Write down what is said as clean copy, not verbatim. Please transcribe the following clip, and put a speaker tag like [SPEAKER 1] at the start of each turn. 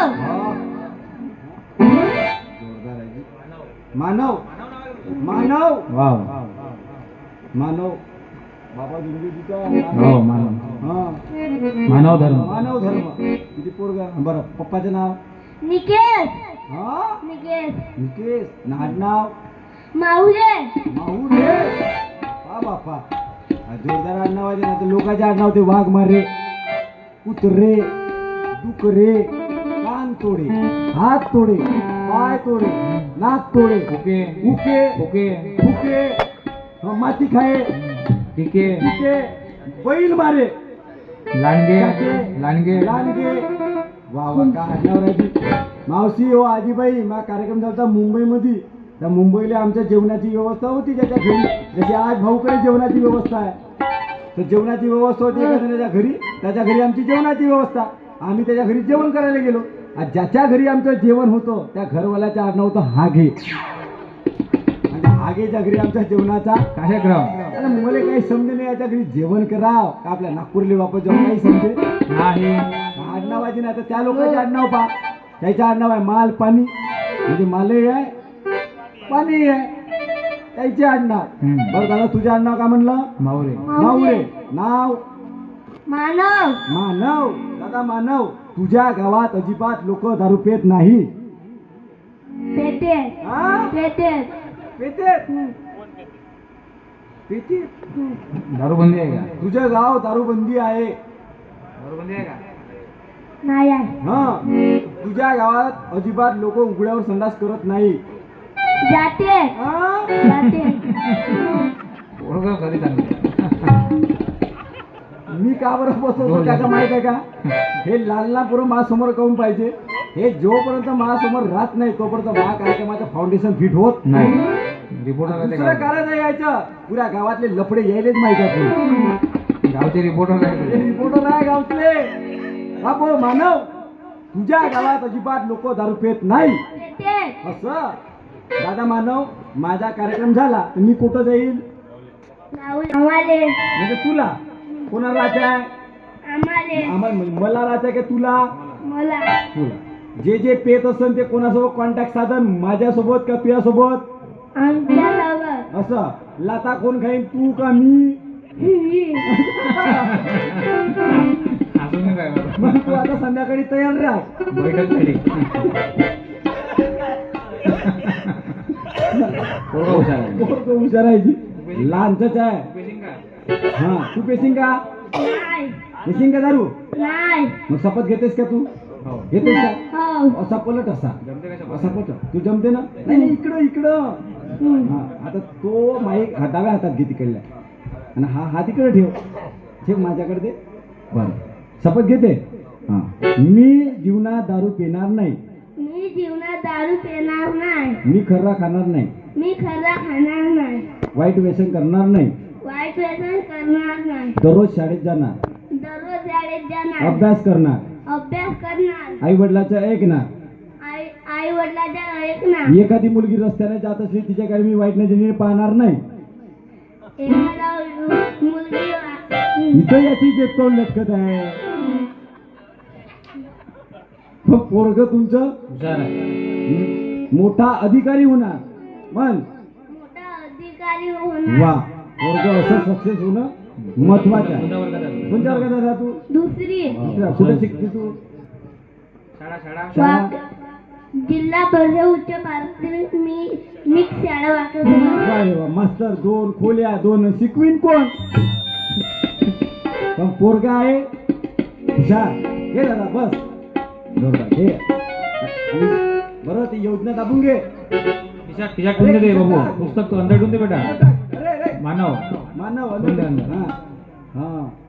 [SPEAKER 1] हा. जोरदार आहे जी. मानव मानव
[SPEAKER 2] वाव
[SPEAKER 1] मानव बाबा इंग्रजीचा
[SPEAKER 2] हो मानव
[SPEAKER 1] हा
[SPEAKER 2] मानव धर्म
[SPEAKER 1] मानव धर्म किती पोरगा बरं पप्पाचं नाव
[SPEAKER 3] निकेश
[SPEAKER 1] हा
[SPEAKER 3] निकेश
[SPEAKER 1] निकेश नाव
[SPEAKER 3] माहुले
[SPEAKER 1] माहुले हा बापा जोरदार आडनाव आहे ना तर लोकांचे आडनाव ते वाघ मारे कुत्रे डुकरे कान तोडे हात तोडे पाय तोडे नाक तोडे
[SPEAKER 2] ओके
[SPEAKER 1] उके
[SPEAKER 2] ओके
[SPEAKER 1] फुके माती खाये
[SPEAKER 2] ठीक आहे
[SPEAKER 1] फुके बैल मारे
[SPEAKER 2] लांडगे
[SPEAKER 1] चाके,
[SPEAKER 2] लांडगे
[SPEAKER 1] लांडगे वा वा का आडनाव राहायची मावशी हो आजीबाई मा कार्यक्रम झाला मुंबईमध्ये त्या मुंबईला आमच्या जेवणाची व्यवस्था होती त्याच्या घरी जशी आज भाऊकडे जेवणाची व्यवस्था आहे तर जेवणाची व्यवस्था होती एका जणाच्या घरी त्याच्या घरी आमची जेवणाची व्यवस्था आम्ही त्याच्या घरी जेवण करायला गेलो आणि ज्याच्या घरी आमचं जेवण होतं त्या घरवाल्याचं आडनाव होतं हागे आणि हागेच्या घरी आमच्या जेवणाचा
[SPEAKER 2] कार्यक्रम
[SPEAKER 1] अरे मला काही समजे नाही याच्या घरी जेवण कराव का आपल्या नागपूरले वापस जेवण काही समजे
[SPEAKER 2] नाही
[SPEAKER 1] आडनावाची नाही तर त्या लोकांचे आडनाव पहा त्याचं आडनाव आहे माल पाणी म्हणजे मालही आहे पाणी आहे त्याचे आडनाव बरं दादा तुझे आडनाव का म्हणलं
[SPEAKER 2] मावरे
[SPEAKER 1] मावळे नाव
[SPEAKER 3] मानव
[SPEAKER 1] मानव दादा मानव तुझ्या गावात अजिबात लोक दारू पेत नाही
[SPEAKER 3] पेटे
[SPEAKER 1] हा?
[SPEAKER 3] पेटे
[SPEAKER 1] पेते पेते
[SPEAKER 2] दारूबंदी आहे का
[SPEAKER 1] तुझं गाव दारूबंदी आहे
[SPEAKER 2] दारूबंदी आहे का
[SPEAKER 3] नाही आहे
[SPEAKER 1] हा तुझ्या गावात अजिबात लोक उघड्यावर संडास करत नाही
[SPEAKER 3] जाते
[SPEAKER 1] हा?
[SPEAKER 3] जाते
[SPEAKER 2] ओळख खरी चांगली
[SPEAKER 1] मी का बरं बसवतो त्याचा माहित आहे का हे लालना पुरं माझ्यासमोर काऊन पाहिजे हे जोपर्यंत माझ्यासमोर राहत नाही तोपर्यंत माझ्या कार्यक्रमाचं फाउंडेशन फिट होत
[SPEAKER 2] नाही रिपोर्टर
[SPEAKER 1] दुसरं कारण नाही यायचं पुऱ्या गावातले लफडे यायलेच माहिती आहे
[SPEAKER 2] गावचे रिपोर्टर आहे
[SPEAKER 1] रिपोर्टर आहे गावतले बापो मानव तुझ्या गावात अजिबात लोक दारू पेत नाही
[SPEAKER 3] पेटे
[SPEAKER 1] असं दादा मानव माझा कार्यक्रम झाला तर मी कुठं जाईल
[SPEAKER 3] आम्हाले
[SPEAKER 1] म्हणजे तुला कोणाला राहायचं आहे
[SPEAKER 3] आम्हाले
[SPEAKER 1] आम्हाला मला राहायचं आहे का तुला
[SPEAKER 3] मला
[SPEAKER 1] तुला जे जे पेत असेल ते कोणासोबत कॉन्टॅक्ट साधन माझ्यासोबत का तुझ्यासोबत
[SPEAKER 3] आमच्या सोबत
[SPEAKER 1] असं लाता कोण खाईन तू का मी
[SPEAKER 2] अजून काय बरं?
[SPEAKER 1] मग तू आता संध्याकाळी तयार राह
[SPEAKER 2] बैठक झाली पोरगा हुशार आहे.
[SPEAKER 1] पोरगं हुशार आहे जी लहानच आहे
[SPEAKER 2] पेशिंग का?
[SPEAKER 1] हा तू पेसिंग का
[SPEAKER 3] नाही
[SPEAKER 1] पेसिंग का दारू
[SPEAKER 3] नाही
[SPEAKER 1] मग शपथ घेतेस का तू
[SPEAKER 2] हो
[SPEAKER 1] घेतेस का
[SPEAKER 3] हो
[SPEAKER 1] असा पलट असा
[SPEAKER 2] जमते का शपथ?
[SPEAKER 1] असा पलट तू जमते ना नाही नाही, इकडं इकडं हा आता तो माईक डाव्या हातात घे तिकडल्या आणि हा हात इकडे ठेव ठेव माझ्याकडे दे बरं शपथ घेते हा मी जीवनात दारू पिणार नाही
[SPEAKER 3] मी जीवनात दारू पिणार नाही
[SPEAKER 1] मी खर्रा खाणार नाही
[SPEAKER 3] मी खरा खाणार नाही
[SPEAKER 1] वाईट व्यसन करणार नाही
[SPEAKER 3] वाईट व्यसन करणार नाही
[SPEAKER 1] दररोज शाळेत जाणार
[SPEAKER 3] दररोज शाळेत जाणार
[SPEAKER 1] अभ्यास करणार
[SPEAKER 3] अभ्यास करणार
[SPEAKER 1] आई वडिलाचं ऐकणार
[SPEAKER 3] आई वडिलांच्या ऐकणार
[SPEAKER 1] एखादी मुलगी रस्त्याने जात असली तिच्याकडे मी वाईट नजरेने पाहणार नाही
[SPEAKER 3] एखादा मुलगी
[SPEAKER 1] इथं याची जेत तोंड लटकत आहे मग पोरग तुमचं
[SPEAKER 2] हुशार आहे
[SPEAKER 1] मोठा अधिकारी होणार मन
[SPEAKER 3] मोठा अधिकारी होणार
[SPEAKER 1] वा पोरग असं सक्सेस होणं महत्वाचं आहे
[SPEAKER 2] कोणत्या वर्गात आहे?
[SPEAKER 1] कोणत्या वर्गात आहे तू
[SPEAKER 3] दुसरी
[SPEAKER 1] दुसऱ्या. कुठे शिकते तू
[SPEAKER 2] शाळा शाळा
[SPEAKER 1] शाळा
[SPEAKER 3] जिल्हा परिषद उच्च प्राथमिक मी मिक्स शाळा वाटत
[SPEAKER 1] वा रे वा मास्तर 2 खोल्या 2 शिकवीन कोण पण पोरगा आहे हुशार हे दादा बस जोरदार हे बरं ती योजना दाबून घे
[SPEAKER 2] खिशात खिशात ठेवून दे बाबू पुस्तक तो अंदर ठेवून दे बेटा
[SPEAKER 1] अरे अरे
[SPEAKER 2] मानव
[SPEAKER 1] मानव
[SPEAKER 2] ठेवून दे
[SPEAKER 1] अंदर
[SPEAKER 2] अंदर.
[SPEAKER 1] हा हा